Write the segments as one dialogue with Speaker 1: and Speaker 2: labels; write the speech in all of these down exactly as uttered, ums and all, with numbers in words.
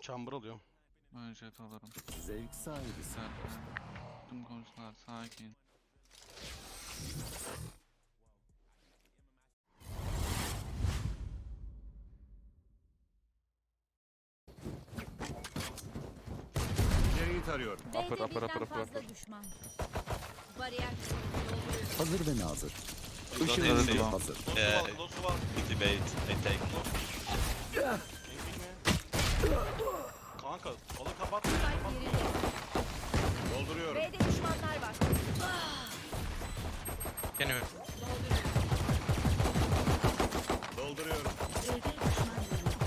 Speaker 1: Chamber alıyorum.
Speaker 2: Ben jet alırım.
Speaker 3: Zevk sahibi.
Speaker 2: Güzel. Tüm komşular sakin.
Speaker 3: İleriyi tarıyorum.
Speaker 4: B'de
Speaker 2: Upper, upper,
Speaker 4: birden
Speaker 2: upper, upper,
Speaker 4: fazla
Speaker 2: upper.
Speaker 4: düşman. Bariyer dolduruyor.
Speaker 3: Hazır ve nazır.
Speaker 5: Got
Speaker 3: Işın
Speaker 5: A
Speaker 3: hızı
Speaker 5: C.
Speaker 3: hazır.
Speaker 5: Yeah, debate. I take more.
Speaker 1: Kanka sola kapat.
Speaker 4: Spike yerinde.
Speaker 1: Dolduruyorum.
Speaker 4: B'de düşmanlar var.
Speaker 5: Can you?
Speaker 1: Dolduruyorum.
Speaker 4: B'de düşman görüldü.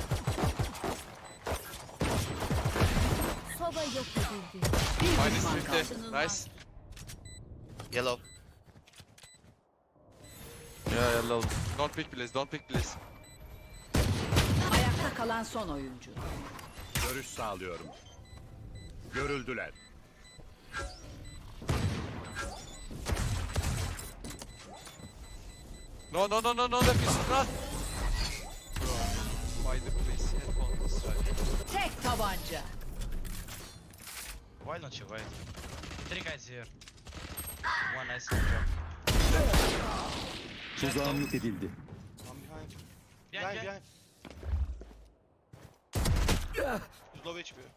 Speaker 4: Soba yok edildi. Bir
Speaker 5: Minus
Speaker 4: düşman
Speaker 5: fifty.
Speaker 4: kaldı.
Speaker 5: Nice. Yellow.
Speaker 2: Yeah, yellow. Don't pick please, don't pick please.
Speaker 6: Ayakta kalan son oyuncu.
Speaker 3: Görüş sağlıyorum. Görüldüler.
Speaker 5: No, no, no, no, no, that is not. Why the police headphone is right?
Speaker 6: Tek tabanca.
Speaker 7: Why don't you wait? Three guys here. One nice drop.
Speaker 3: Tuzağım yok edildi.
Speaker 1: I'm behind.
Speaker 7: Behind,
Speaker 1: Behind
Speaker 7: behind.
Speaker 1: behind. He's low H P.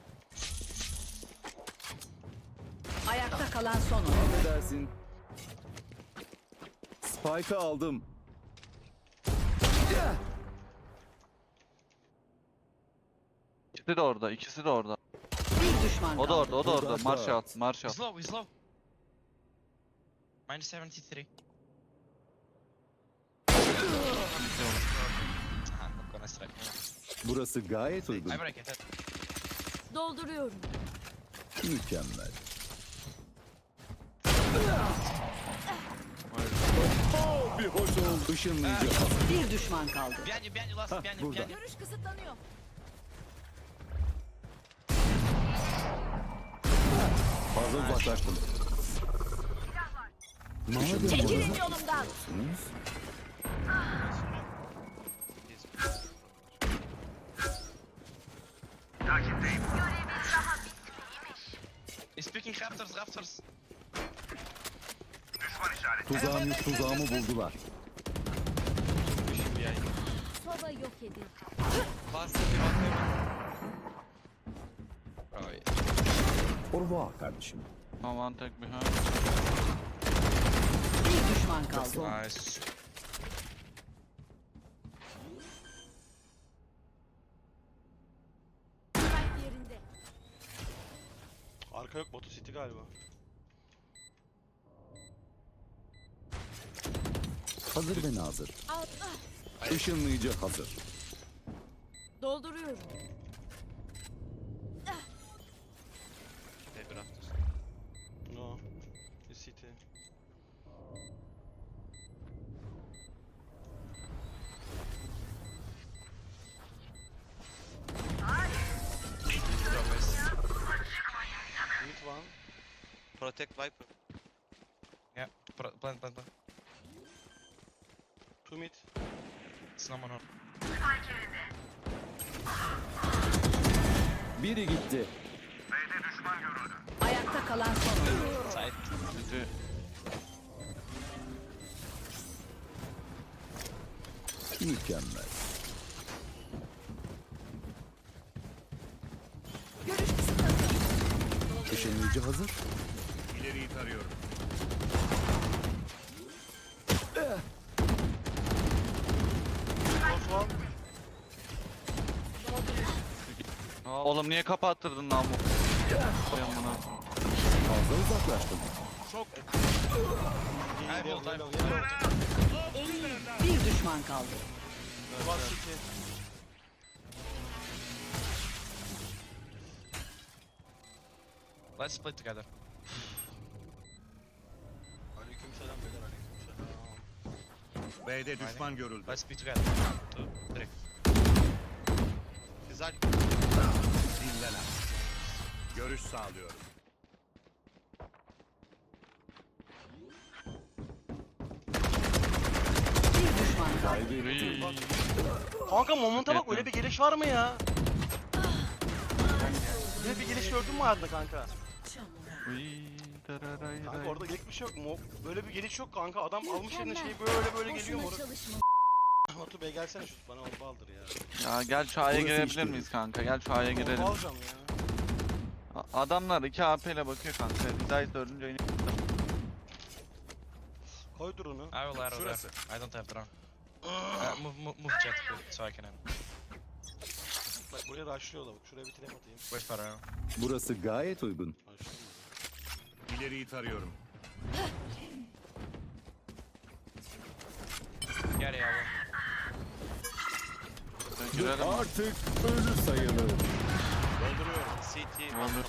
Speaker 6: Ayakta kalan son oyuncu.
Speaker 3: Affedersin. Spike'ı aldım.
Speaker 2: İkisi de orada, ikisi de orada.
Speaker 6: Bir düşman
Speaker 2: O da
Speaker 6: kaldı.
Speaker 2: orada, o da orada.
Speaker 3: Burada
Speaker 2: Marshall,
Speaker 3: dört.
Speaker 2: Marshall.
Speaker 7: He's low, he's low. Minus seventy-three. Ah, not gonna strike.
Speaker 3: Burası gayet uygun.
Speaker 7: I break it.
Speaker 4: Dolduruyorum.
Speaker 3: Mükemmel. Bir hoş oldu. Işınlayıcı hazır.
Speaker 6: Bir düşman kaldı.
Speaker 7: Behind you, behind you, last,
Speaker 3: Hah,
Speaker 7: behind you,
Speaker 3: burada.
Speaker 7: behind you.
Speaker 4: Görüş kısıtlanıyor.
Speaker 3: Fazla uzaklaştım. Madem
Speaker 4: Çekilin
Speaker 3: bana
Speaker 4: yolumdan.
Speaker 3: bakıyorsunuz,
Speaker 7: He's picking rafters, rafters.
Speaker 3: Tuzağımı, tuzağımı buldular.
Speaker 5: Pushing behind.
Speaker 4: Soba yok edildi.
Speaker 5: Last city, last city. Oh yeah.
Speaker 3: Orva kardeşim.
Speaker 2: No one take behind.
Speaker 6: Bir düşman kaldı.
Speaker 7: Nice.
Speaker 4: Spike yerinde.
Speaker 1: Arka yok, Batu City galiba.
Speaker 3: Hazır ve nazır.
Speaker 4: Al, ah,
Speaker 3: Işınlayıcı hazır.
Speaker 4: dolduruyorum.
Speaker 5: Maybe rafters.
Speaker 1: No. It's City.
Speaker 5: Drop is.
Speaker 1: Mid one.
Speaker 5: Protect Viper.
Speaker 7: Yeah, pro- plant, plant, plant.
Speaker 1: Two mid.
Speaker 7: Snowman on.
Speaker 3: Biri gitti.
Speaker 6: Ayakta kalan son oyuncu.
Speaker 7: Side.
Speaker 2: City.
Speaker 3: Mükemmel.
Speaker 4: Görüş kısıtlanıyor.
Speaker 3: Işınlayıcı hazır. İleriyi tarıyorum.
Speaker 1: Close one.
Speaker 2: Oğlum niye kapattırdın lan bu? Ben buna.
Speaker 3: Fazla uzaklaştım.
Speaker 1: Çok.
Speaker 7: I will dive.
Speaker 6: Bir düşman kaldı.
Speaker 1: One City.
Speaker 7: Let's split together.
Speaker 1: Aleykümselam beyler, aleykümselam.
Speaker 3: B'de düşman görüldü.
Speaker 7: Let's be together. One, two, three.
Speaker 5: Güzel.
Speaker 3: Dinlenen. Görüş sağlıyorum.
Speaker 6: Bir düşman kaldı.
Speaker 3: Kaybettim.
Speaker 1: Kanka Moment'a bak,
Speaker 2: Etmem.
Speaker 1: öyle bir geliş var mı ya? gördün mü Arda kanka?
Speaker 2: Uy, tararay,
Speaker 1: Kanka
Speaker 2: ray.
Speaker 1: orada gelik bir şey yok mu? Böyle bir geliş yok kanka. Adam almış eline şeyi böyle böyle geliyor
Speaker 4: Boşuna
Speaker 1: moruk.
Speaker 4: çalışma.
Speaker 1: Batu Bey gelsene şu bana orba aldır ya.
Speaker 2: Ya gel şu A'ya
Speaker 3: Burası
Speaker 2: girebilir
Speaker 3: işte.
Speaker 2: miyiz kanka? Gel şu A'ya
Speaker 1: Orba
Speaker 2: girelim.
Speaker 1: alacağım ya.
Speaker 2: A- Adamlar iki A P ile bakıyor kanka. Zayt dördüncü oyunu.
Speaker 1: Koy drone'u.
Speaker 7: I will arrow
Speaker 3: Şurası.
Speaker 7: there. I don't have drone. Uh, move, move, move jet so I can end.
Speaker 1: Bak buraya rushlıyorlar bak. Şuraya bir trap atayım.
Speaker 7: Wait for arrow.
Speaker 3: Burası gayet uygun.
Speaker 1: Rushlıyor.
Speaker 3: İleriyi tarıyorum.
Speaker 7: Get it, arrow.
Speaker 2: Girelim.
Speaker 3: Artık ölü sayılır.
Speaker 5: Dolduruyorum. C T.
Speaker 2: Olur.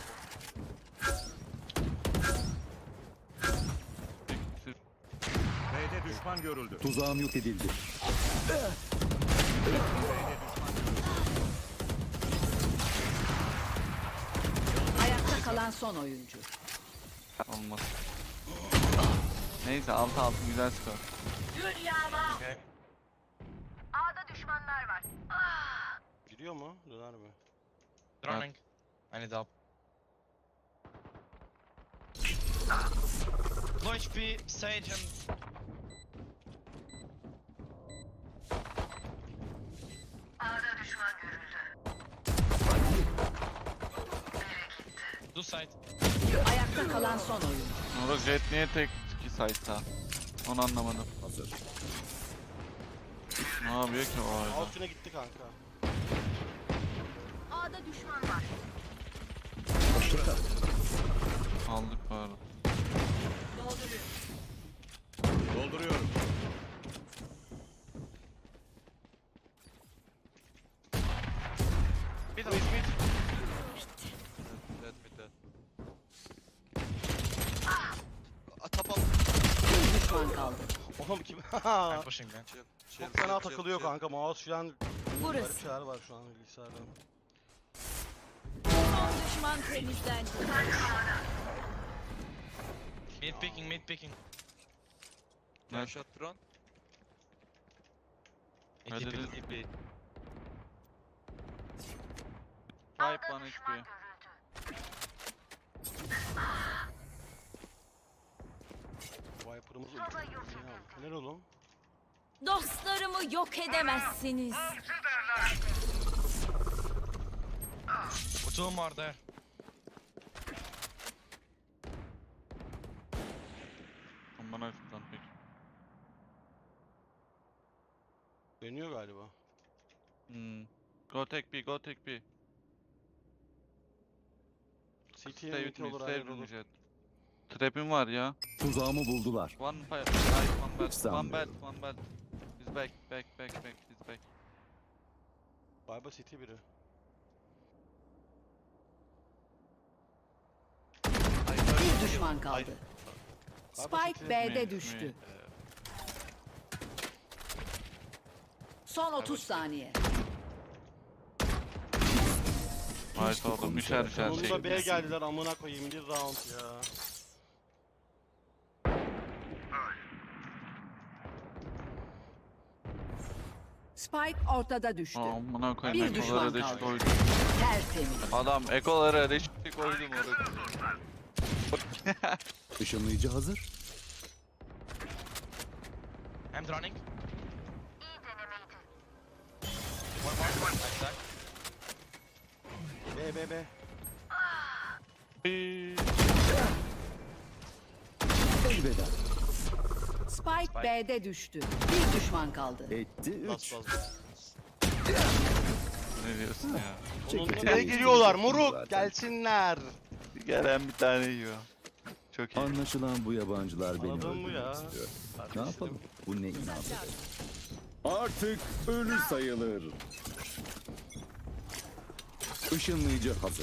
Speaker 3: B'de düşman görüldü. Tuzağım yok edildi.
Speaker 6: Ayakta kalan son oyuncu.
Speaker 2: Olmaz. Neyse altı altı güzel skor.
Speaker 7: Okay.
Speaker 1: Giriyor mu? Döner mi?
Speaker 7: Droning. I need help. Low H P, Sage and... Do side.
Speaker 6: Ayakta kalan son oyuncu.
Speaker 2: Moruk Jet niye tek iki site'ta? Onu anlamadım.
Speaker 3: Hazır.
Speaker 2: Ne yapıyor ki o arada?
Speaker 1: Altına gitti kanka.
Speaker 4: A'da düşman var.
Speaker 2: Aldık bu arada.
Speaker 3: Dolduruyorum.
Speaker 1: Middle is mid.
Speaker 5: Dead mid dead. Aa, tap al.
Speaker 6: Bir düşman kaldı.
Speaker 1: Oğlum kim?
Speaker 7: I'm pushing man.
Speaker 5: Chill, chill,
Speaker 1: Çok fena
Speaker 5: chill,
Speaker 1: takılıyor
Speaker 5: chill.
Speaker 1: kanka. Mouse şu an
Speaker 4: Burası.
Speaker 1: garip şeyler var şu an bilgisayarda.
Speaker 4: Son düşman temizlendi.
Speaker 7: Mid picking, mid picking.
Speaker 5: One
Speaker 2: Evet.
Speaker 5: shot drone.
Speaker 7: E
Speaker 2: Hadi
Speaker 7: T P.
Speaker 2: de-
Speaker 5: E T P.
Speaker 2: Sahip bana istiyor.
Speaker 1: Viper'ımız ulti. Neler oğlum?
Speaker 4: Dostlarımı yok edemezsiniz.
Speaker 7: Two more there.
Speaker 2: Bana şuradan peki.
Speaker 1: Dönüyor galiba.
Speaker 2: Hmm. Go take B, go take B.
Speaker 1: C T'ye
Speaker 2: Stay
Speaker 1: ulti
Speaker 2: with me,
Speaker 1: olur,
Speaker 2: stay
Speaker 1: hayır
Speaker 2: with me
Speaker 1: olur.
Speaker 2: Jet. Trap'im var ya.
Speaker 3: Tuzağımı buldular.
Speaker 2: One fire, nice, one belt, one
Speaker 3: Sanmıyorum.
Speaker 2: belt, one belt. He's back, back, back, back, he's back.
Speaker 1: Galiba C T biri.
Speaker 6: Bir düşman kaldı.
Speaker 1: Galiba
Speaker 6: Spike
Speaker 1: C T.
Speaker 6: B'de
Speaker 2: Mi,
Speaker 6: düştü.
Speaker 2: mi.
Speaker 6: Son otuz saniye.
Speaker 2: Nice oğlum, üçer üçer şey.
Speaker 1: Sonunda B'ye geldiler amına koyayım bir round ya.
Speaker 6: Spike ortada düştü.
Speaker 2: Amına koyayım,
Speaker 6: Bir düşman
Speaker 2: ekolara
Speaker 6: kaldı.
Speaker 2: reşit koydum.
Speaker 6: Tertemiz.
Speaker 2: Adam ekolara reşit koydum orada.
Speaker 3: Işınlayıcı hazır.
Speaker 7: I'm droning. One more. Nice tag.
Speaker 1: B B B.
Speaker 3: Elveda.
Speaker 6: Spike B'de düştü. Bir düşman kaldı.
Speaker 3: Etti
Speaker 5: Bas
Speaker 3: üç.
Speaker 5: bas bas.
Speaker 2: Ne diyorsun ya?
Speaker 1: Sonunda
Speaker 3: Çekil.
Speaker 1: B'ye geliyorlar
Speaker 3: Zaten.
Speaker 1: moruk gelsinler.
Speaker 2: Gelen bir tane yiyor. Çok iyi.
Speaker 3: Anlaşılan bu yabancılar beni
Speaker 1: Anladın mı
Speaker 3: öldürmek
Speaker 1: ya?
Speaker 3: istiyor. Ne
Speaker 1: Kardeşim.
Speaker 3: yapalım? Bu ne inandı? Artık ölü sayılır. Işınlayıcı hazır.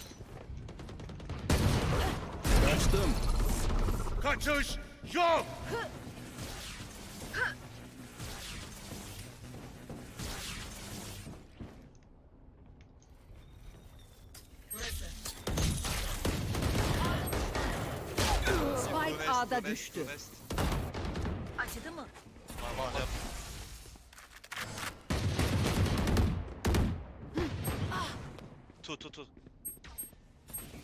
Speaker 3: Kaçtım. Kaçış yok.
Speaker 6: Spike A'da düştü.
Speaker 5: West.
Speaker 4: Acıdı mı?
Speaker 5: Var var yap. Two two two.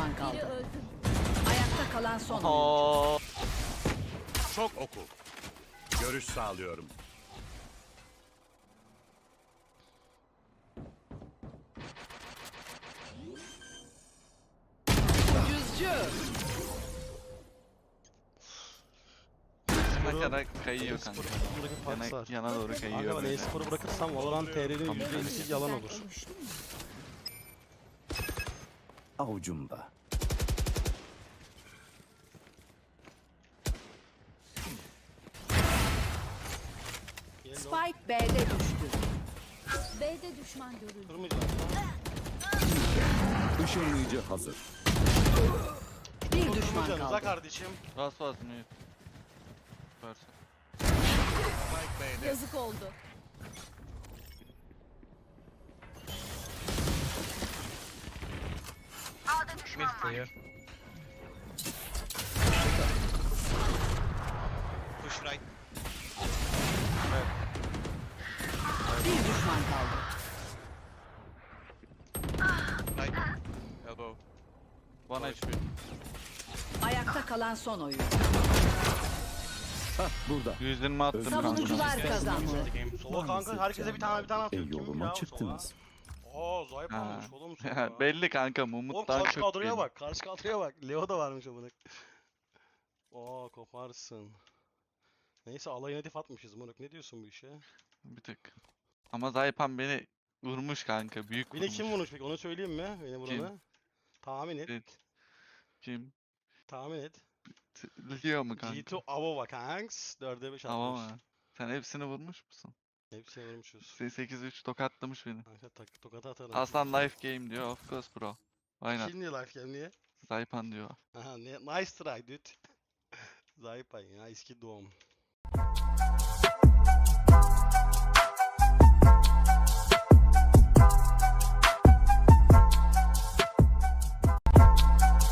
Speaker 6: düşman
Speaker 4: Biri
Speaker 6: kaldı.
Speaker 4: öldü.
Speaker 6: Ayakta kalan son oyuncu.
Speaker 2: Oo.
Speaker 8: Çok oku. Görüş sağlıyorum.
Speaker 6: Ucuzcu.
Speaker 2: Bakarak kayıyor kanka.
Speaker 1: E-spor'u bırakıp
Speaker 2: Yana,
Speaker 1: Pax var.
Speaker 2: yana doğru
Speaker 1: Kanka
Speaker 2: kayıyor
Speaker 1: ben
Speaker 2: böyle.
Speaker 1: e-sporu bırakırsam Valorant T R'nin yüzde ellisi yalan olur.
Speaker 3: Avucumda.
Speaker 6: Spike B'de düştü.
Speaker 4: B'de düşman görüldü.
Speaker 1: Durmayacağım.
Speaker 3: Işınlayıcı hazır.
Speaker 6: Bir düşman
Speaker 1: Durmayacağım.
Speaker 6: kaldı.
Speaker 1: kardeşim.
Speaker 2: Ras was mute. Süpersin.
Speaker 4: Yazık oldu.
Speaker 7: Mid clear.
Speaker 5: Push right.
Speaker 6: Bir düşman kaldı.
Speaker 5: Right.
Speaker 2: Elbow. One H P.
Speaker 6: Ayakta kalan son oyuncu.
Speaker 3: Hah burada.
Speaker 2: yüz yirmi attım kanka.
Speaker 6: Savunucular kazandı.
Speaker 7: The game.
Speaker 1: Sola kanka herkese bir tane bir tane
Speaker 3: E
Speaker 1: atıyor. Kim ya
Speaker 3: yoluma
Speaker 1: o
Speaker 3: çıktınız.
Speaker 1: sola? Aa Zayıf
Speaker 2: Ha.
Speaker 1: almış oğlum sola.
Speaker 2: Belli kanka
Speaker 1: Oğlum
Speaker 2: Mumut'tan
Speaker 1: karşı
Speaker 2: çok
Speaker 1: kadroya
Speaker 2: belli.
Speaker 1: bak. Karşı kadroya bak. Leo da varmış amına. Oo koparsın. Neyse alayına hedef atmışız moruk. Ne diyorsun bu işe?
Speaker 2: Bir tık. Ama Zaypan beni vurmuş kanka. Büyük
Speaker 1: Beni
Speaker 2: vurmuş.
Speaker 1: kim vurmuş peki? Onu söyleyeyim mi? Beni vurana. Tahmin et.
Speaker 2: Evet. Kim?
Speaker 1: Tahmin et.
Speaker 2: T- Leo mu kanka?
Speaker 1: G iki Avova kanks. dörde beş
Speaker 2: Tamam
Speaker 1: atmış.
Speaker 2: mı? Sen hepsini vurmuş musun?
Speaker 1: Hepsini vurmuşuz.
Speaker 2: sekiz üç tokatlamış beni.
Speaker 1: Kanka tak, tokata atarım.
Speaker 2: Aslan life game diyor. Of course bro. Aynen.
Speaker 1: Kim diyor life game niye?
Speaker 2: Zaypan diyor.
Speaker 1: Aha ne, nice try dude. Zayıpan ya eski doğum.